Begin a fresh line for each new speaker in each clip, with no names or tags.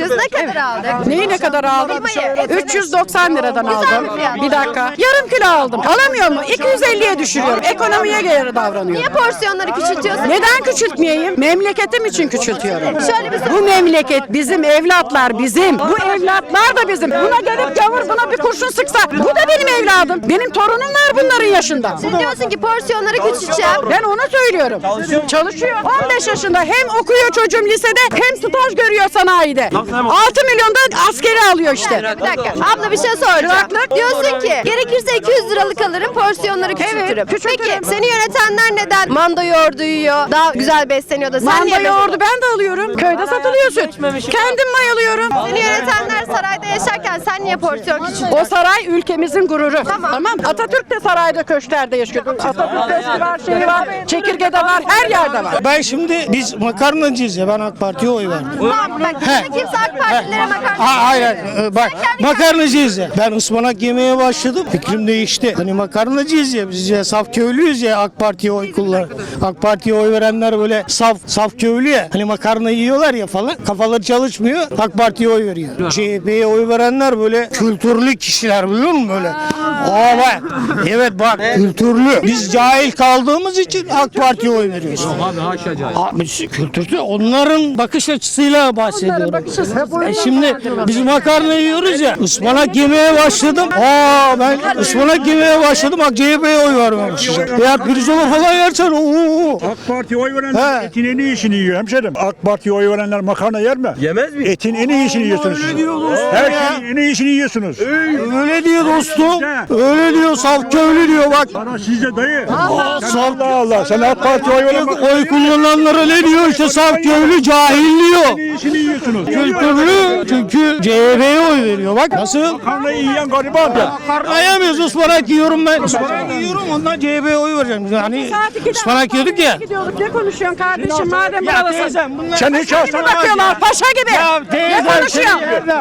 Biz ne kadar aldık?
Neyi ne kadar aldım?
Kıymayı.
390 liradan
Güzel
aldım.
bir fiyat.
Bir dakika. Yarım kilo aldım. Alamıyor mu? 250'ye düşürüyorum. Ekonomiye göre davranıyorum.
Niye porsiyonları küçültüyorsun?
Neden küçültmeyeyim? Memleketim için küçültüyorum.
Şöyle bir
Bu memleket bizim, evlatlar bizim. Bu evlatlar da bizim. Buna gelip gavur buna bir kurşun sıksa bu da benim evladım. Benim torunum var bunların yaşında.
Sen diyorsun ki porsiyonları küçülteceğim.
Ben onu söylüyorum. Çalışıyor. 15 yaşında hem okuyor çocuğum lisede hem staj görüyor sanayide. 6 milyon da askeri alıyor işte.
Bir dakika. Abla bir şey soracağım. Diyorsun ki gerekirse 200 liralık alırım porsiyonları küçültürüm.
küçültürüm.
Peki seni yönetenler neden mando yoğurdu yiyor, daha güzel besleniyor da sen
Manda
niye
yoğurdu ben de alıyorum. Köyde satılıyor süt. Kendim mayalıyorum.
Seni yönetenler sarayda yaşarken sen niye porsiyon küçültüyorsun?
O saray ülkemizin gururu.
Tamam.
Atatürk de sarayda köşklerde yaşıyor. Atatürk köşkü var, şeyi var, çekirgede var, her yerde var.
Ben şimdi biz makarnacıyız ya, ben AK Parti'ye oy verdim.
Tamam bak kimse AK Partililere makarna.
Hayır, bak makarnacıyız ya. Ben ıspanak yemeye başladım. Fikrim değişti. Hani makarnacıyız ya, biz ya saf köylüyüz ya, AK Parti'ye oy kullan. AK Parti'ye oy verenler böyle saf köylü ya. Hani makarna yiyorlar ya falan. Kafaları çalışmıyor. AK Parti'ye oy veriyor. CHP'ye oy verenler böyle kültürlü kişiler, biliyor musun böyle? Bak. Evet bak, kültürlü. Biz cahil kaldığımız için AK Parti'ye oy veriyoruz.
Abi haşa cahil.
Abi kültürlü, onların bakış açısıyla bahsediyorum. Şimdi biz makarna yiyoruz ya, ıspanak yemeye başladım. Ben ıspanak yemeye başladım. Bak CHP'ye oy vermemişim. Ya pirzola falan yersen
AK Parti'ye oy verenler etin en iyisini yiyor hemşerim. AK Parti'ye oy verenler makarna yer mi?
Yemez mi?
Etin en iyisini yiyorsunuz.
Öyle diyor dostum
Her
ya.
şeyin en iyisini yiyorsunuz.
Öyle diyor dostum. Öyle diyor, saf köylü diyor bak.
Bana sizde dayı.
Saf
Allah. Sen AK Parti'ye oy veren
oy kullananlara ne diyor işte, saf köylü cahil diyor.
en iyisini yiyorsunuz.
Kültürlü, çünkü CHP'ye oy veriyor. Bak nasıl?
Makarnayı yiyen gariban ya.
Makarnayamıyoruz, ıspanak yiyorum ben. Ispanak yiyorum, ondan CHP'ye oy vereceğim. Hani ıspanak yiyorduk ya.
Ne konuşuyorsun kardeşim madem buradasın?
bunlar...
Sen hiç alsana.
Bakıyorlar paşa gibi. Ne konuşuyor?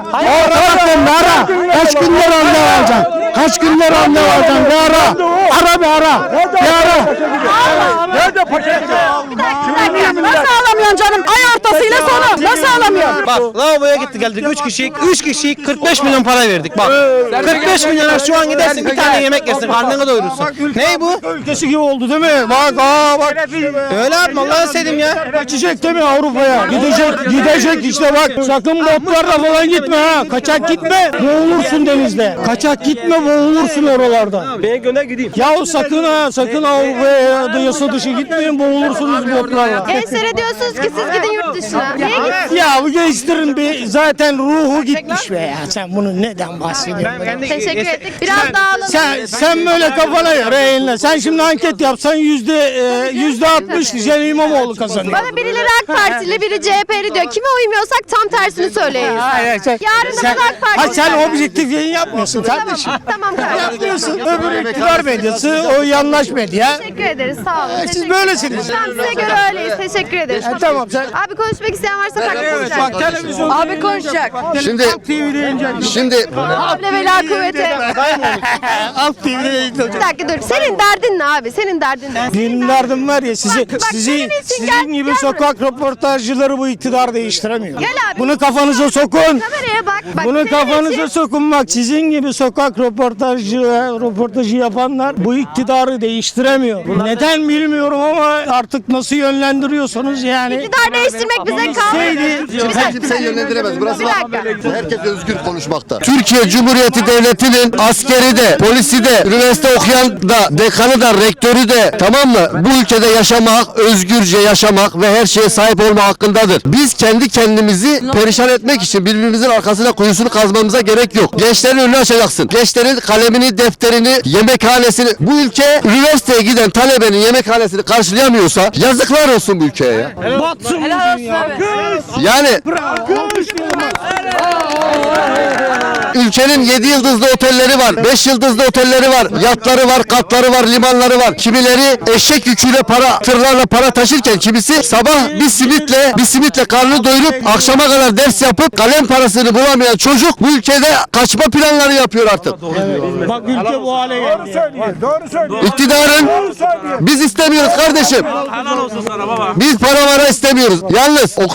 Ara. Kaç günden randevu alacaksın? Kaç günden randevu alacaksın? Bir ara. Ara bir ara. Bir ara.
Nerede paşa?
Nasıl alamıyorsun canım? Ay ortasıyla sonu. Nasıl alamıyorsun?
Bak lavaboya gittik geldik 3 kişi 45 milyon para verdik bak. 45 milyona şu an gidersin bir tane yemek yersin karnını doyurursun. Ne bu?
Ülkesi gibi oldu değil mi? Bak bak.
Öyle yapma Allah'ını seveyim ya.
Kaçacak değil mi Avrupa'ya? Gidecek işte bak. Sakın botlarla falan gitme ha. Kaçak gitme, boğulursun denizde. Kaçak gitme, boğulursun oralarda.
Ben gönder gideyim.
Ya sakın Avrupa'ya da yasa dışı gitmeyin, boğulursunuz botlarla.
Gençlere diyorsunuz ki siz gidin yurt dışına. Niye gitsin?
Ya bu gençlerin bir zaten ruhu gitmiş be ya. Sen bunu neden bahsediyorsun?
Teşekkür ettik. Biraz daha alalım.
Sen böyle kafana göre eğlenle. Sen şimdi anket yapsan %60 diyeceksin, İmamoğlu kazanıyor.
Bana birileri AK Partili, biri CHP'li diyor. Kime uymuyorsak tam tersini söyleyiz.
Hayır,
Yarın da biz AK Partili.
sen objektif yayın yapmıyorsun kardeşim.
Tamam kardeşim.
Yapmıyorsun. Öbür iktidar medyası, o yanlış medya.
Teşekkür ederiz. Sağ olun.
Siz
Teşekkür
böylesiniz.
Tamam size göre öyleyiz. Teşekkür ederiz.
Tamam sen.
Abi konuşmak isteyen varsa takip
televizyon.
Abi konuşacak.
Şimdi
Havle ve la kuvvete.
Alt TV'de yayınlanacak.
Bir dakika dur. Senin derdin ne abi? Senin derdin ne?
Benim derdim var ya,
senin için
sizin gibi sokak röportajcıları bu iktidar değiştiremiyor.
Gel abi.
Bunu kafanıza sokun.
Kameraya bak.
Bunu
senin
kafanıza
için-
sokun bak, sizin gibi sokak röportajı yapanlar bu iktidarı değiştiremiyor. Neden bilmiyorum ama artık nasıl yönlendiriyorsanız yani.
İktidar değiştirmek bize kalmadı.
kimse yönlendiremez. Burası
Bir dakika.
herkes özgür konuşmakta. Türkiye Cumhuriyeti Devleti'nin askeri de, polisi de, üniversite okuyan da, dekanı da, rektörü de, tamam mı? Bu ülkede yaşamak, özgürce yaşamak ve her şeye sahip olma hakkındadır. Biz kendi kendimizi perişan etmek için birbirimizin arkasına kuyusunu kazmamıza gerek yok. Gençlerin önünü açacaksın. Gençlerin kalemini, defterini, yemekhanesini, bu ülke üniversiteye giden talebenin yemekhanesini karşılayamıyorsa yazıklar olsun bu ülkeye ya.
Batsın bu dünya.
Yani ülkenin 7 yıldızlı otelleri var, 5 yıldızlı otelleri var, yatları var, katları var, limanları var. Kimileri eşek yüküyle tırlarla para taşırken kimisi sabah bir simitle karnını doyurup akşama kadar ders yapıp kalem parasını bulamayan çocuk bu ülkede kaçma planları yapıyor artık.
Bak ülke bu hale geldi.
Doğru söylüyor.
İktidarın biz istemiyoruz kardeşim. Biz para istemiyoruz. Yalnız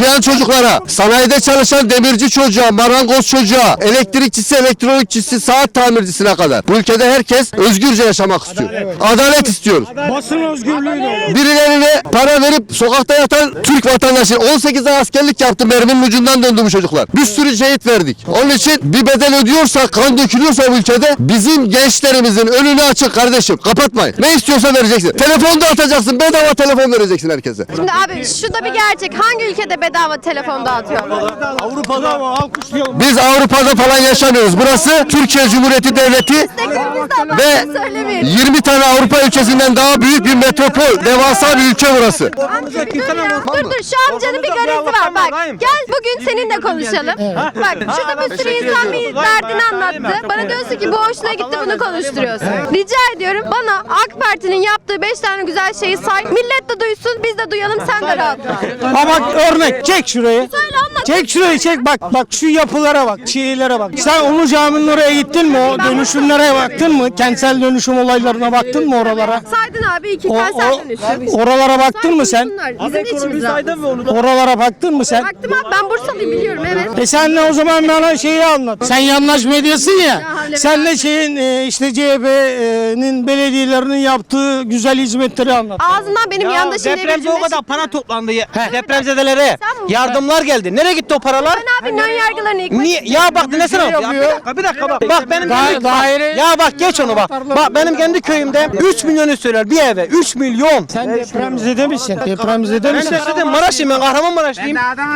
okuyan çocuklara, sanayide çalışan demirci çocuğa, marangoz çocuğa, elektrikçisi, elektronikçisi, saat tamircisine kadar. Bu ülkede herkes özgürce yaşamak istiyor. Adalet istiyoruz.
Basın özgürlüğü de.
Birilerine para verip sokakta yatan Türk vatandaşı 18 ay askerlik yaptı, merminin ucundan döndü bu çocuklar. Bir sürü şehit verdik. Onun için bir bedel ödüyorsa, kan dökülüyorsa bu ülkede bizim gençlerimizin önünü açık kardeşim. Kapatmayın. Ne istiyorsa vereceksin. Telefon da atacaksın. Bedava telefon vereceksin herkese.
Şimdi abi şu da bir gerçek. Hangi ülkede bedava telefon dağıtıyor?
Avrupa'da ama alkışlayalım.
Biz Avrupa'da falan yaşamıyoruz. Burası Türkiye Cumhuriyeti Devleti
Desteklerimizden
ve
söylemeyin.
20 tane Avrupa ülkesinden daha büyük bir metropol. Devasa bir ülke burası.
Amca bir dur ya. Dur şu amcanın bir garezi var bak. Gel bugün seninle konuşalım. Bak şurada bir sürü insan bir derdini anlattı. Bana diyorsun ki bu hoşuna gitti bunu konuşturuyorsun. Rica ediyorum bana AK Parti'nin yaptığı 5 tane güzel şeyi say. Millet de duysun biz de duyalım sen de rahat ol.
Ha bak örnek çek şurayı.
Söyle anlat.
Çek şurayı çek bak şu yapılara bak, şeylere bak. Sen Ulu Cami'nin oraya gittin mi? O dönüşümlere baktın mı? Kentsel dönüşüm olaylarına baktın mı oralara?
Saydın abi iki kentsel dönüşüm.
Oralara baktın mı sen?
Bizim de içimiz rahat.
Oralara baktın mı sen?
Baktım abi ben Bursalıyım biliyorum evet.
Sen de o zaman bana şeyi anlat. Sen yandaş medyasın ya.
öyle
Sen de şeyin işte CHP'nin belediyelerinin yaptığı güzel hizmetleri anlat.
Ağzından benim yandaşım diye bir
Depremde
cümle
o kadar
çıktı.
para toplandı ya. Depremzedelere
Sen mi?
yardımlar geldi. Nereye gitti o paralar?
Ben abi ön yargılarını yıkmak
Niye? Ya bak dinlesene. Ya bir dakika bak. Bak benim kendi
daire-
Ya bak geç onu bak. Bak benim kendi köyümde 3 milyonu söyler bir eve. 3 milyon.
Sen depremzede misin? Depremzede
Ben
misin?
de dedim Maraş'ım ben Kahramanmaraşlıyım.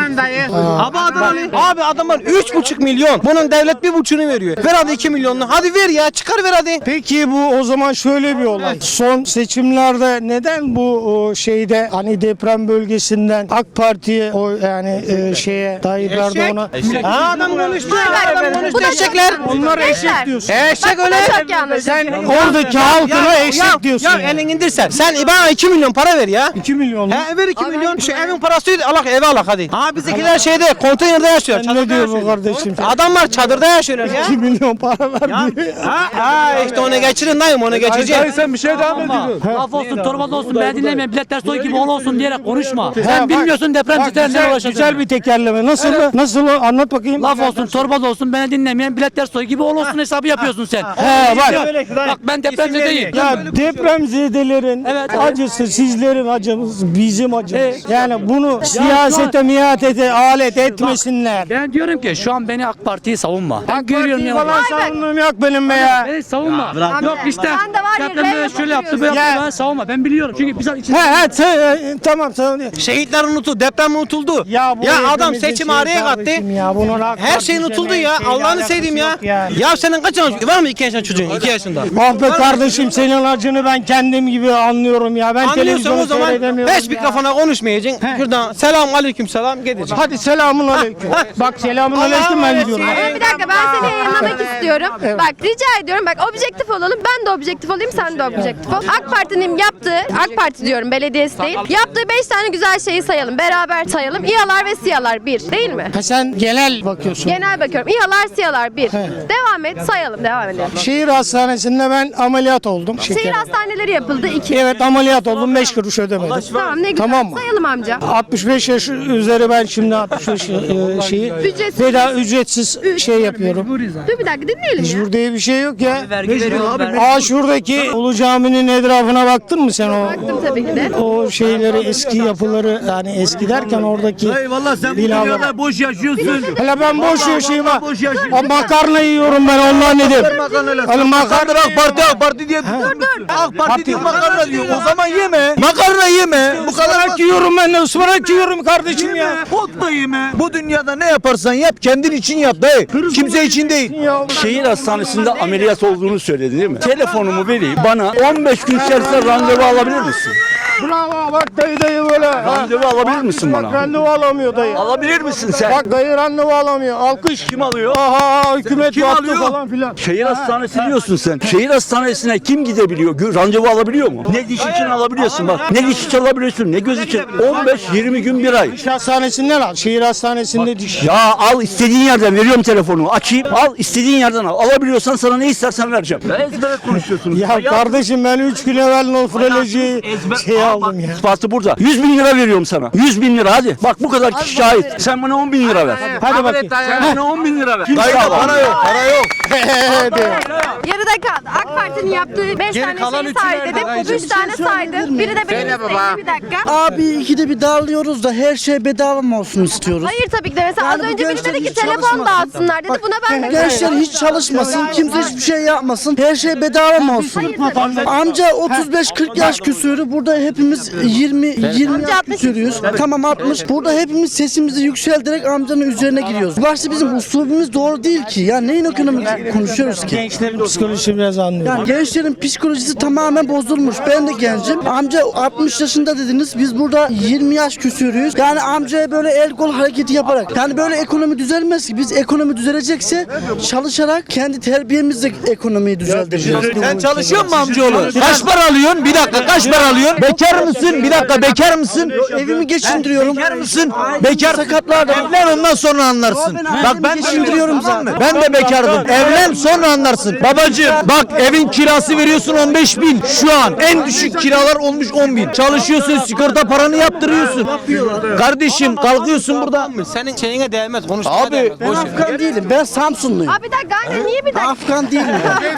Abi Adanalıyım. Abi adamlar 3,5 milyon. Bunun devlet 1,5'unu veriyor. Ver hadi 2 milyonunu. Hadi ver ya çıkar ver hadi.
Peki bu o zaman şöyle bir olay. Son seçimlerde neden bu şeyde hani deprem bölgesinden AK Parti'ye o yani şeye Tayyip Erdoğan'a
Ha adam konuştu. Adam
Bu
konuştu
da
eşekler.
çok yanlış.
onlar eşek
Gençler,
diyorsun.
Eşek
bu
öyle.
da çok yanlış.
Sen oradaki halkına eşek diyorsun.
Ya elini indirsen. Sen bana 2 milyon para ver ya.
2 milyon.
He ver 2 milyon. Şu evin parası alak eve alak hadi. Ha bizdekiler şeyde konteynerde yaşıyor.
Sen ne diyor bu kardeşim?
Adamlar çadırda yaşıyorlar ya.
2 milyon para ver.
Ha işte onu geçirin dayım onu geçeceğim.
Sen bir şey devam ediyorsun.
Laf olsun, torba olsun, ben dinlemeyin, biletler soy gibi ol olsun diyerek konuşma.
Ha,
Sen
bak,
bilmiyorsun depremcilerle
güzel,
uğraşacağını.
güzel bir tekerleme. Nasıl anlat bakayım.
Laf olsun, torba olsun, beni dinlemeyen biletler soy gibi ol olsun hesabı yapıyorsun sen.
He bak.
Bak ben depremzedeyim.
Ya depremzedelerin
Evet.
acısı sizlerin acımız, bizim acımız. Yani bunu siyasete, miyatete alet etmesinler.
Ben diyorum ki şu an beni AK Parti'yi savunma. Ben görüyorum ya.
Falan savunduğum yok benim be ya.
Beni savunma. Yok işte.
Ben de var ya,
Deprem böyle
ben
şöyle yaptı, böyle
Ya.
yaptı, ben savunma. Ben biliyorum çünkü biz içinde...
Tamam savunuyor.
Şehitler unutuldu, deprem unutuldu. Ya,
bu
adam
hepimizin
seçim
şeyi
araya kattı.
kardeşim Ya, bunun AK
Her şey
Parti'yle
unutuldu
ne
ya.
şeyle
Allah'ını
alakası
seveyim ya.
yok
Ya senin kaç yaşın var mı 2 yaşında çocuğun? 2 yaşında.
Ah be kardeşim senin acını ben kendim gibi anlıyorum ya. Ben
Anlıyorsan
televizyonu
o zaman
seyredemiyorum
hiç
ya.
mikrofona konuşmayacaksın. Şuradan selam aleyküm selam gideceksin.
Hadi selamun aleyküm. Bak selamun aleyküm ben gidiyorum.
Bir dakika ben seni yayınlamak istiyorum. Bak rica ediyorum bak objektif olalım. Ben de objektif olayım sen de objektif ol. AK Parti'nin yaptığı, AK Parti diyorum belediyesi değil. Yaptığı 5 tane güzel şeyi sayalım. Beraber sayalım. İHA'lar ve SİHA'lar 1 değil mi?
Ha sen genel bakıyorsun.
Genel bakıyorum. İHA'lar SİHA'lar 1. Devam et sayalım devam edelim.
Şehir hastanesinde ben ameliyat oldum.
Şehir hastaneleri yapıldı 2.
Evet ameliyat oldum 5 kuruş ödemedim.
Tamam ne güzel.
Tamam mı?
Sayalım amca.
65 yaş üzeri ben şimdi 65 şeyi
Ücretsiz.
ücretsiz şey yapıyorum.
Dur bir dakika dinleyelim ya.
Mecbur diye bir şey yok ya.
Vergi veriyorlar.
Aa şuradaki Ulu Cami'nin etrafına baktın mı sen o?
Baktım tabii ki de.
O şeyleri eski yapıları yani eski derken oradaki
Eyvallah sen bu
binalar.
dünyada boş yaşıyorsun.
Hele ben boş yaşayayım ha.
boş yaşıyorsun.
O makarna yiyorum ben ondan dedim. Hani makarna
AK Parti diye. AK Parti diye makarna diyor. O zaman yeme. Makarna yeme. Bu kadar
ıspanak yiyorum ben de ıspanak yiyorum kardeşim ya.
ot da yeme. Bu dünyada ne yaparsan yap kendin için yap dayı. Kimse için değil.
Şehir hastanesinde ameliyat olduğunu söyledi değil mi? Telefonumu vereyim bana 15 gün içerisinde randevu alabilir misin?
Bravo bak dayı böyle.
Randevu alabilir misin
Bak
bana?
randevu alamıyor dayı.
Alabilir misin sen?
Bak dayı randevu alamıyor. Alkış.
Kim alıyor?
Aha hükümet
Kim
battı
alıyor?
falan filan.
Şehir hastanesi diyorsun sen. Şehir hastanesine kim gidebiliyor? Randevu alabiliyor mu? Ne diş için alabiliyorsun bak. Ne diş için alabiliyorsun ne göz için. 15-20 gün bir ay.
Diş hastanesinden al. Şehir hastanesinde diş.
Ya al istediğin yerden veriyorum telefonu. Açayım al istediğin yerden al. Alabiliyorsan sana ne istersen vereceğim. Ben ezbere konuşuyorsunuz.
Ya kardeşim ben 3 gün evvel nofroloji şey aldım ya.
İspatı burada. 100 bin lira veriyorum sana. 100 bin lira hadi. Bak bu kadar kişi şahit. Sen bana 10 bin lira ver.
Hadi bakayım.
Sen bana 10 bin lira ver.
Dayı para yok, para yok.
Yarıda kaldı. AK Parti'nin yaptığı 5 tane şeyi say dedim. 3 tane saydım. Biri de benim isteğim. Bir dakika.
Abi ikide bir darlıyoruz da her şey bedava mı olsun istiyoruz?
Hayır tabii ki de. Mesela az
Yani bu
önce biri
gençler
dedi ki
hiç
telefon
çalışmasın.
dağıtsınlar dedi. Buna ben de
Gençler hiç çalışmasın, kimse hiçbir şey yapmasın. Her şey bedava mı olsun? Amca 35-40 yaş küsürü, burada hepimiz 20
Amca
yaş
60.
küsürüyüz. Tamam 60. Burada hepimiz sesimizi yükselterek amcanın üzerine giriyoruz. Başta bizim usulümüz doğru değil ki. Ya neyin ekonomik konuşuyoruz ki?
Gençlerin psikolojisini biraz anlıyorum.
Yani gençlerin psikolojisi tamamen bozulmuş. Ben de gencim. Amca 60 yaşında dediniz. Biz burada 20 yaş küsürüyüz. Yani amcaya böyle el kol hareketi yaparak. Yani böyle ekonomi düzelmez ki. Biz ekonomi düzelecekse çalışarak kendi terbiyemizle ekonomiyi düzelteceğiz.
Sen çalışıyor musun amcaoğlu? Kaç para alıyorsun? Bir dakika kaç para alıyorsun? Bekar mısın? Bir dakika bekar mısın?
Evimi geçindiriyorum.
Bekar mısın? Bekar.
Sakatlar da var.
Evlen ondan sonra anlarsın.
Bak ben geçindiriyorum zaten.
Ben de bekardım. Evlen sonra anlarsın. Babacığım bak evin kirası veriyorsun 15 bin. Şu an en düşük kiralar olmuş 10 bin. Çalışıyorsun sigorta paranı yaptırıyorsun. Kardeşim kalkıyorsun burada. Senin şeyine değmez. Konuşmaya
Abi ben Afgan değilim. Ben Samsunluyum.
Abi bir dakika anne niye bir dakika?
Afgan değilim ben.